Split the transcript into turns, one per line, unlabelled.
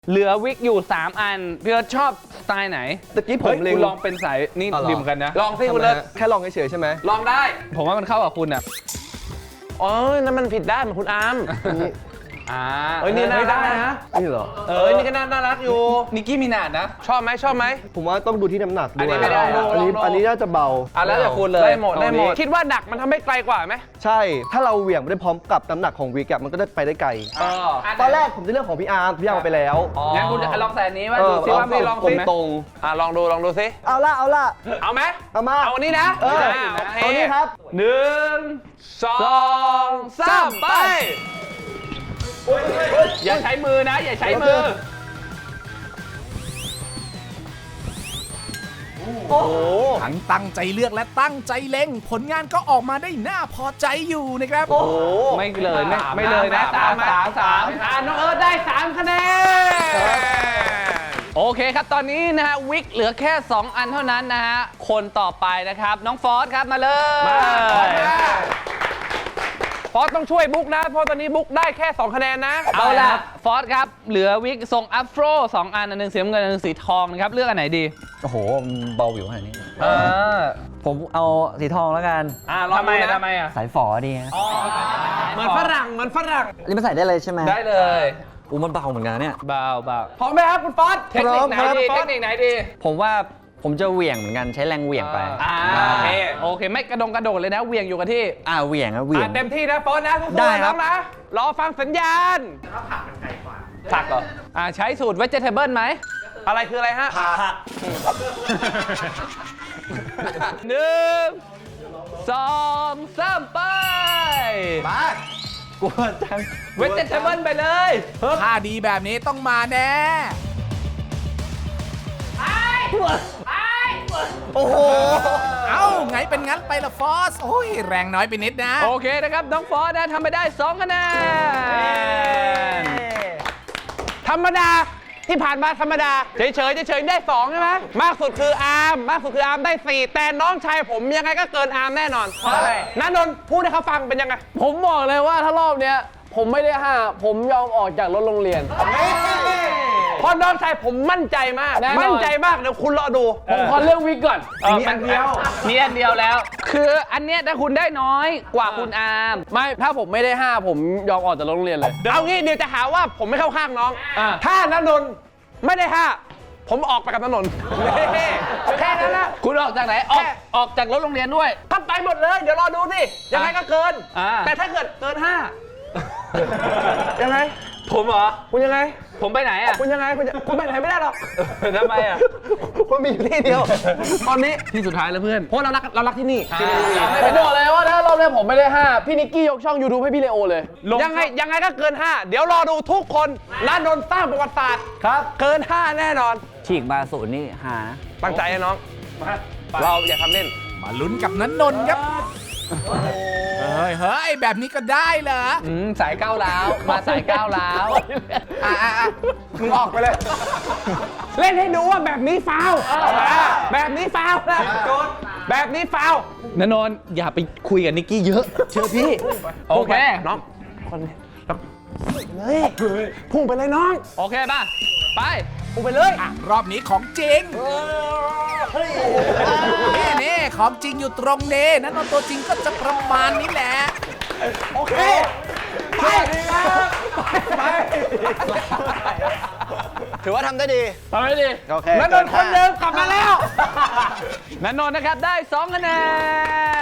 เหลือวิกอยู่3 อันพี่เอิร์ธชอบสไตล์ไหน
ตะกี้ผมเล็ง
คุณลองเป็นสายนี่ดิมกันนะ
ลองสิคุณเลิศ
แค่ลองเฉยๆใช่ไหม
ลองได้
ผมว่ามันเข้ากับคุณอ่ะ
อ๋อนั่นมันผิดด้านเหมือนคุณอาร์ม
เอ้ย
นี่น่ารักนะ
นี่เหรอ
นี่ก็น่ารักอยู่
นิกกี้มินาดนะ
ชอบไหม
ผมว่าต้องดูที่น้ำหนักด้วย
อันนี้ไม่ได้ลองดู
อันนี้น่าจะเบา
แล้วแต่คุณเลย
ได้หมด
คิดว่าหนักมันทำให้ไกลกว่าไหม
ใช่ ถ้าเราเหวี่ยงไปได้พร้อมกับน้ำหนักของวิกอะมันก็ได้ไปได้ไกล ตอนแรกผมจะเลือกของพี่อาร์มเอาไปแล้ว
งั้นคุณลองใส่อันนี้ว่าดูซิว่าไม่ลองสิ
ตรง
ลองดูสิ
ๆเอาละ
เอาไหม
เอามา
เอาอันนี้นะ
เออ
โอเค
เอานี้ครับ
1 2 3 ไป
อย่าใช้มือนะ อย่าใช้มือ
โอ้โห
ทั้งตั้งใจเลือกและตั้งใจเล็งผลงานก็ออกมาได้น่าพอใจอยู่นะครับ
โอ้โห
ไม่เลยไม่เลยนะสาม
น้องเอิร์ธได้ 3 คะแนน
โอเคครับตอนนี้นะฮะวิกเหลือแค่ 2 อันเท่านั้นนะฮะคนต่อไปนะครับน้องฟอสครับมาเลย
ฟอสต้องช่วยบุ๊กนะ เพราะตอนนี้บุ๊กได้แค่ 2 คะแนนนะ
เอาล่ะฟอสครับเหลือวิกทรงอัฟโร2 อันหนึ่งสีน้ำเงินอันหนึ่งสีทองนะครับเลือกอันไหนดี
โอ้โหเบาอยู่ขนาดนี้ ผมเอาสีทองแล้วกัน
ลอง
ทำไม
ดูนะ
ทำไมอ่ะ
สายฝอดีฮะ
เหมือนฝรั่ง
อันนี้มันใส่ได้เลยใช่ไหม
ได้เลย
อูมันเบาเหมือนกันนะเนี่ย
เบา
พร้อมไหมครับคุณฟอส
เทคนิคไหนดีเทคนิคไหนดี
ผมว่าผมจะเหวี่ยงเหมือนกันใช้แรงเหวี่ยงไป
โอเคไม่กระโดดเลยนะเหวี่ยงอยู่กับที่
เหวี่ยงอะเหวี่ยง
เต็มที่นะฟอสนะทุกคน
ได้ครับ
น้องนะ รอฟังสัญญาณ
ผักเหรอใช้สูตร vegetable ไหม
อะไรคืออะไรฮะ
1 2 3 ไป
กลัวจัง
vegetable ไปเลย
ถ้าดีแบบนี้ต้องมาแน่
โอ้โห
เอ้าไงเป็นงั้นไปละฟอส โอ้ยแรงน้อยไปนิดนะ
โอเคนะครับน้องฟอสนะทำไปได้2 คะแนน
ธรรมดาที่ผ่านมาธรรมดาเฉยได้ 2 ใช่ไหมมากสุดคืออาร์มได้ 4 แต่น้องชายผมยังไงก็เกินอาร์มแน่นอนนันนนท์พูดให้เขาฟังเป็นยังไง
ผมบอกเลยว่าถ้ารอบเนี้ยผมไม่ได้5ผมยอมออกจากรถโรงเรียน
เพราะน้องชายผมมั่นใจมาก
แน่นอน
มั่นใจมากเดี๋ยวคุณรอดู
ผมขอเลือกวิกก่อน
มีอันเดียวมีอันเดียวแล้ว คืออันเนี้ยถ้าคุณได้น้อยกว่าคุณอาร์ม
ไม่ถ้าผมไม่ได้5ผมยอมออกจากรถโรงเรียนเลย
เอางี้เดี๋ยวจะหาว่าผมไม่เข้าข้างน้อง ถ้านันนนท์ไม่ได้ 5 ผมออกไปกับนันนนท์แค่นั้นแหละ
คุณออกจากไหนออกจากรถโรงเรียนด้วย
ถ้าไปหมดเลยเดี๋ยวรอดูสิยังไงก็เกิน แต่ถ้าเกิดเกิน 5 ยังไง
ผมเหรอ
คุณยังไง
ผมไปไหนอ่ะ
คุณยังไงคุณไปไหนไม่ได้หรอก
ทำไมอ่ะ
คุณมีอยู่ที่เดียว ตอนนี้
ที่สุดท้ายแล้วเพื่อน
เพราะเรารักที่นี่
ผมบอกเลยว่าถ้ารอบเนี้ยผมไม่ได้5พี่นิกกี้ยกช่อง YouTube ให้พี่เลโอเลย
ยังไงก็เกิน 5 เดี๋ยวรอดูทุกคนนันนนท์สร้างประวัติศาสตร์ครับเกิน 5 แน่นอน
ฉีกมาศูนย์นี่หานะ
ตั้งใจนะน้องเราอย่าทำเล่น
มาลุ้นกับนันนนท์ครับ เฮ้ย แบบนี้ก็ได้เหรอ
สายก้าวร้าวมาสายก้าวร้าว
มึงออกไปเลย เล่นให้ดูว่าแบบนี้ฟาวล์แบบนี้ฟาวล์นะแบบนี้ฟาวล์
นนนท์อย่าไปคุยกับนิกกี้เยอะเชื่อพี่ โอเค
น้องคนนี้เลยพุ่งไปเลยน้อง
โอเคป่ะ ไป
พุ่งไปเลย
รอบนี้ของจริงนี่ของจริงอยู่ตรงนี้นันนนท์ตัวจริงก็จะประมาณนี้แหละ
โอเคไปไป
ถือว่าทำได้ดี
เอาไปดิ
โอเค
นันนนท์คนเดิมกลับมาแล้ว
นันนนท์นะครับได้2 คะแนน